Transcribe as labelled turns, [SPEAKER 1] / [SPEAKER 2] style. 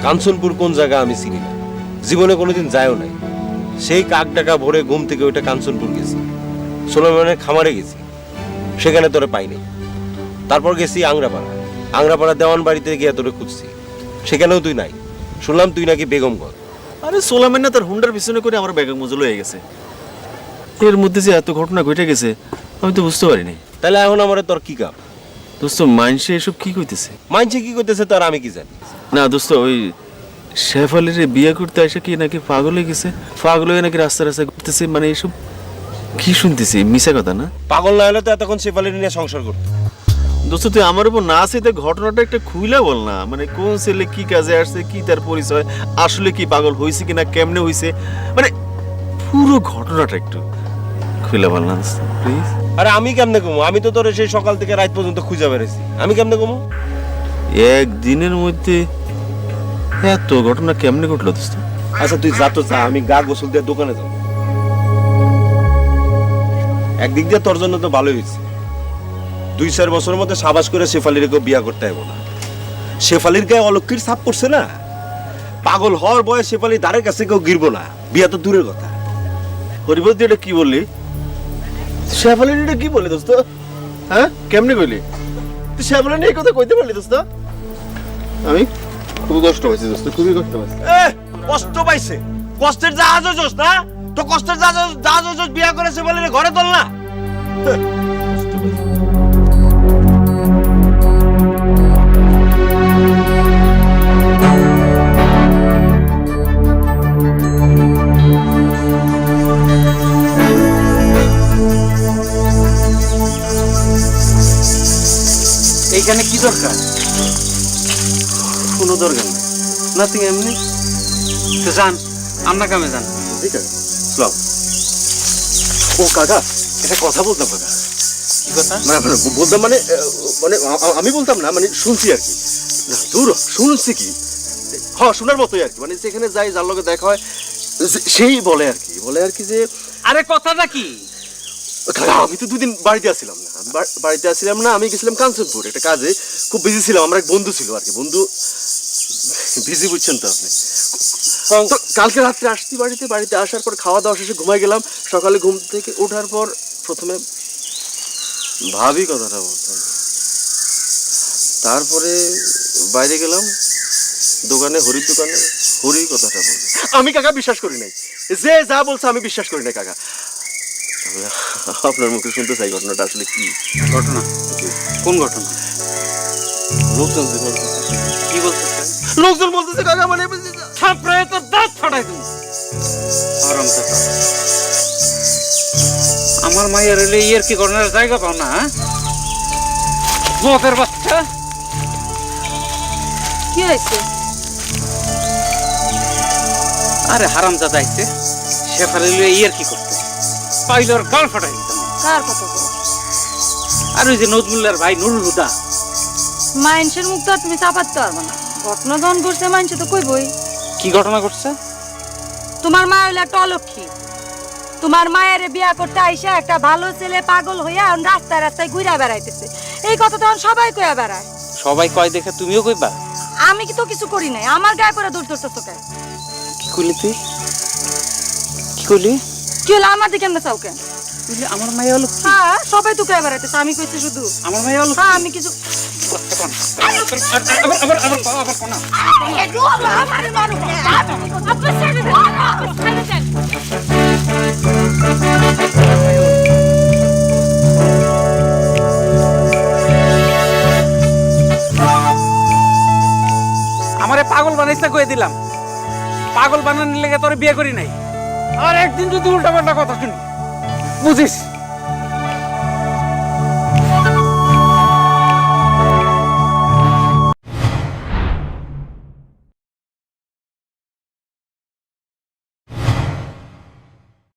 [SPEAKER 1] কাঞ্চনপুর কোন জায়গা আমি চিনি না, জীবনে কোনোদিন যায়ও নাই। সেই কাক ডাকা ভোরে ঘুম থেকে ওইটা কাঞ্চনপুর গেছি, সোলেমানের খামারে গেছি, সেখানে তোরে পাইনি। তারপর গেছি আংরাপাড়া দেওয়ান বাড়িতে গিয়ে তোরে খুঁজছি, সেখানেও তুই নাই। শুনলাম তুই নাকি বেগমগঞ্জ।
[SPEAKER 2] আরে সোলামেন না তার হুন্ডার পিছনে করে আমার বেগম মজুল হয়ে গেছে। এর মধ্যে যে এত ঘটনা ঘটে গেছে আমি তো বুঝতে পারিনি।
[SPEAKER 1] তাহলে এখন আমার তোর কি কাম?
[SPEAKER 2] দোস্ত মাইনসে এসব কি কইতেছে?
[SPEAKER 1] মানছে কি করতেছে তার আমি কি জানি।
[SPEAKER 2] না দোস্ত, ওই শেফালির বিয়ে করতে এসে কি নাকি পাগল হয়ে গেছে, পাগল হয়ে নাকি রাস্তা রাস্তায় ঘুরতেছে, মানে এসব কি শুনতেছি? মিশা কথা না?
[SPEAKER 1] পাগল না হলে তো এতক্ষণ শেফালির নিয়ে সংসার করতো।
[SPEAKER 2] দোস্ত তুই আমার উপর না আসে ঘটনাটা একটা খুইলা বল না, মানে কোন ছেলে কি কাজে আসছে, কি তার পরিচয়, আসলে কি পাগল হয়েছে কিনা, কেমনে হয়েছে, মানে পুরো ঘটনাটা একটু খুইলা বল না প্লিজ।
[SPEAKER 1] আরে আমি কেমনে কমু? আমি তো তোর সেই সকাল থেকে রাত পর্যন্ত খুঁজে বেড়েছি, আমি কেমনে কমু?
[SPEAKER 2] একদিনের মধ্যে এত ঘটনা কেমনে ঘটলো দোস্ত?
[SPEAKER 1] আচ্ছা তুই যা তো যা, আমি গা গোসল দিয়ে দোকানে যাবো। একদিক দিয়ে তোর জন্য তো ভালোই হয়েছে, 2-4 বছরের মধ্যে সাবাস করে শেফালির কেউ বিয়া করতে হবে না। শেফালির গায়ে অলক্ষীর ছাপ পড়ছে না, পাগল হওয়ার বয়স শেফালির দ্বারের কাছে কেউ গিরবো না, বিয়া তো দূরের কথা।
[SPEAKER 2] হরিবদ এটা কি বললি? শেফালিন এটা কি বললি দোস্ত? হ্যাঁ কেমনে কইলি তুই? শেফালিন এই কথা কইতে পারলি দোস্ত? আমি খুবই কষ্ট হয়েছে দোস্ত, খুবই কষ্ট হয়েছে।
[SPEAKER 1] কষ্ট পাইছে, কষ্টের জাহাজ হইছস না তো? কষ্টের জাহাজ হইছস, বিয়া করে শেফালির ঘরে তোল না।
[SPEAKER 3] এইখানে কি দরকার?
[SPEAKER 2] কোনো দরকার নেই, নাথিং, এমনি।
[SPEAKER 3] তো যান, আমরা কামে যান।
[SPEAKER 2] ঠিক আছে, সালাম। ও কাকা, একটা কথা বলতাম কাকা।
[SPEAKER 3] কি কথা?
[SPEAKER 2] বলতাম মানে মানে আমি বলতাম না, মানে শুনছি আর কি। দূর শুনছি কি, হ্যাঁ শোনার মতোই আর কি, মানে যেখানে যাই যার লগে দেখা হয় সেই বলে আর কি যে
[SPEAKER 3] আরে কথাটা কি?
[SPEAKER 2] কাকা আমি তো 2 দিন বাড়িতে আসছিলাম না, আমি গেছিলাম কাঞ্চনপুর একটা কাজে, খুব বিজি ছিলাম। আমার এক বন্ধু ছিল আর কি, বন্ধু বিজি বুঝছেন তো আপনি। তো কালকে রাত্রে আসছি বাড়িতে আসার পর খাওয়া দাওয়া শেষে ঘুমাই গেলাম। সকালে ঘুম থেকে ওঠার পর প্রথমে ভাবি কথাটা বলতাম, তারপরে বাইরে গেলাম হরির দোকানে, হরি কথাটা বলছি। আমি কাকা বিশ্বাস করি নাই, যে যা বলছে আমি বিশ্বাস করি নাই কাকা। আপনার মুখে শুনতে চাই ঘটনাটা আসলে কি
[SPEAKER 3] ঘটনা? কোন ঘটনা?
[SPEAKER 2] লোকজন
[SPEAKER 3] কি বলতেছে?
[SPEAKER 2] লোকজন বলতেছে কাকা, মানে
[SPEAKER 3] থাপড়ায় তো দাঁত ফাটাই তুমি। আমার মায়ের এলে ইয়ের কি ঘটনার জায়গা পাও না? মতের বাচ্চা।
[SPEAKER 4] কি হয়েছে?
[SPEAKER 3] আরে হারামজাদা আইছে, শেফালি ইয়ের কি করতে পাইলে ওর গাল ফাটাই দিতাম।
[SPEAKER 4] কার কথা বল?
[SPEAKER 3] আর ওই যে নজমুল্লার ভাই নুরুল হুদা।
[SPEAKER 4] মানুষের মুখ তো আর তুমি চাপাতে পারবে না। ঘটনা যখন ঘটছে মানুষ তো কইবই।
[SPEAKER 3] কি ঘটনা ঘটছে?
[SPEAKER 4] তোমার মা হইলো একটা অলক্ষী। তোমার মায়ের বিয়া করতে আইসা একটা ভালো ছেলে পাগল হইয়া রাস্তায় রাস্তায় ঘুরা বেড়াইতেছে। এই কথা তখন সবাই কইয়া বেড়ায়।
[SPEAKER 3] সবাই কয় দেখে তুমিও কইবা?
[SPEAKER 4] আমি কি তো কিছু করি নাই, আমার গায়ে পরে দূর দূর তোকে।
[SPEAKER 3] কি কইলি তুই? কি কইলি?
[SPEAKER 4] কি হলো আমার দিকে আমরা চাও কেন?
[SPEAKER 3] তুই আমার মায়ের হলো?
[SPEAKER 4] হ্যাঁ সবাই তো কইয়া বেড়াইতেছে, আমি কইছি শুধু
[SPEAKER 3] আমার মায়ের হলো?
[SPEAKER 4] হ্যাঁ আমি কিছু
[SPEAKER 3] আমারে পাগল বানাইছে কয়ে দিলাম। পাগল বানানোর লেগে তোরে বিয়ে করি নাই। আর একদিন যদি উল্টা পাল্টা কথা শুনি বুঝিস